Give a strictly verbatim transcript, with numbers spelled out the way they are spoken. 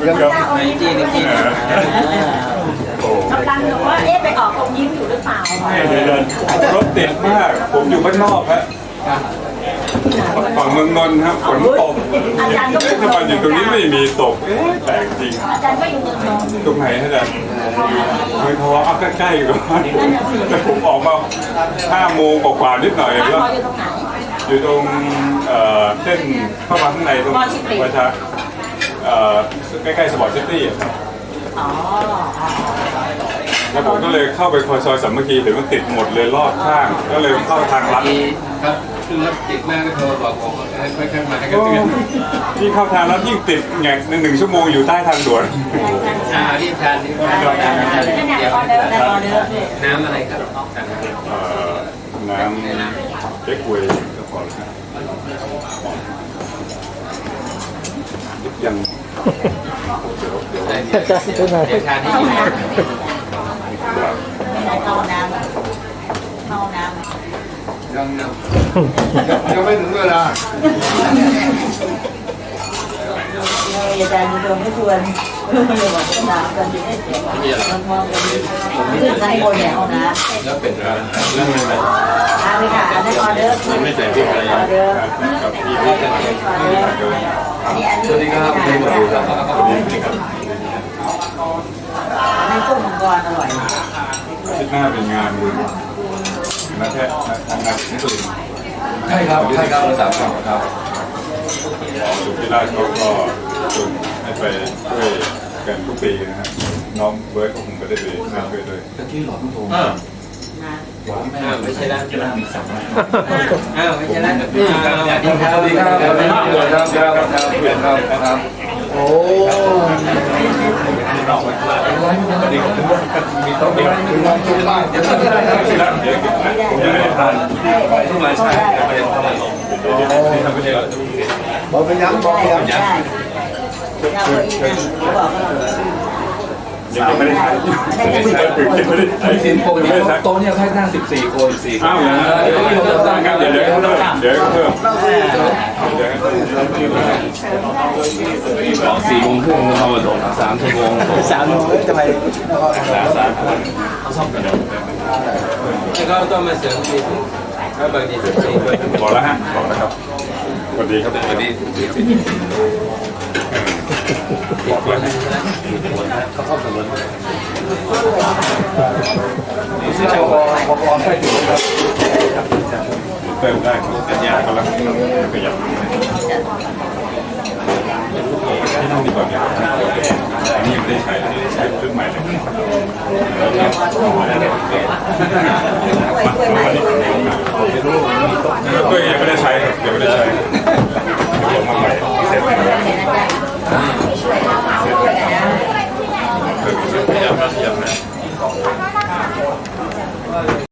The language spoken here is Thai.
ในจีนในจีนกำลังบอกว่าเอ๊ะไปออกตรงยิ้มอยู่หรือเปล่ารถติดมากผมอยู่บ้านนอกฮะฝั่งเมืองนนท์ครับฝนตกถ้ามาอยู่ตรงนี้ไม่มีตกแปลกจริงอาจารย์ก็อยู่เมืองนนท์ตรงไหนฮะอาจารย์ไม่เพราะว่าเอาใกล้ๆก่อนแต่ผมออกมาห้าโมงกว่าๆนิดหน่อยแล้วอยู่ตรงเส้นเข้ามาข้างในตรงประชาใกล้ๆสปอร์ตซิตี้แล้วผมก็เลยเข้าไปคอยซอยสามัคคีแต่มันติดหมดเลยรอดข้างก็เลยเข้าทางลัดครับคือรถติดมากก็โทรบอกผมค่อยๆมาให้กันเตือนที่เข้าทางลัดยิ่งติดแงกหนึ่งชั่วโมงอยู่ใต้ทางด่วนอ่ารีบทานรีบทานเดี๋ยวน้ำอะไรครับน้ำเก๊กฮวยก็พอแล้วยังเดี๋ยวเดี๋ยวเดี๋ยวทานที่อยู่เข้าน้ำเข้าน้ำยังยังไม่ถึงเวลาอาจารย์มีโดนไม่ชวนเลยบอกจะน้ำกันดีให้เสียงมองกันดีขึ้นข้างบนเนี่ยเอาน้ำแล้วเป็นอะไรแล้วมันแบบอาไปค่ะอันนั้นออเดอร์ไม่ใส่พริกอะไรออเดอร์สวัสดีครับคุณผู้ชมครับอันนั้นกุ้งมังกรอร่อยที่หน้าเป็นงานบุญนักแพทย์นักนักนิสิตใช่ครับใช่ครับสามสองครับสุพิราชเขาก็ชวนให้ไปช่วยกันทุกปีนะฮะน้องเบิร์ดก็คงไปได้เลยมาช่วยด้วยตะกี้หลอดโทรมาอ้าวไม่ใช่ร้านร้านมีสามร้านอ้าวไม่ใช่ร้านนี่ครับสวัสดีครับสวัสดีครับสวัสดีครับครับครับครับโอ้มีโต๊ะมีถึงวันทุกบ้านเดี๋ยวต้องได้ครับสิครับเดี๋ยวผมจะได้ทานทุกรายชายไปทำอะไรเดี๋ยวทำไปเลยบอกไปย้ำบอกไปย้ำยังไม่ได้ใช้ไม่ได้ใช้ถึงไม่ได้ใช้สิบโต๊ะเนี่ยโต๊ะเนี่ยแค่นั่งสิบสี่คนสี่อ้าวอย่างนั้นเดี๋ยวเดี๋ยวเดี๋ยวเดี๋ยวเพิ่มเดี๋ยวเพิ่มบอกสี่โมงครึ่งเข้ามาส่งสามชั่วโมงสามโมงจะไปสามสามเขาซ่อมกันแล้วก็ต้องมาเสริมทีก็บางทีสิบสี่คนบอกแล้วฮะบอกแล้วครับสวัสดีครับสวัสดีบอกแล้วเขาเข้าสมุนนี่ชื่อชาวบอบอบใช่ถูกครับเติมได้เป็นยากำลังขยับที่นั่งดีกว่าเนี่ยอันนี้ไม่ได้ใช้ใช้ชุดใหม่เลยก็ยัง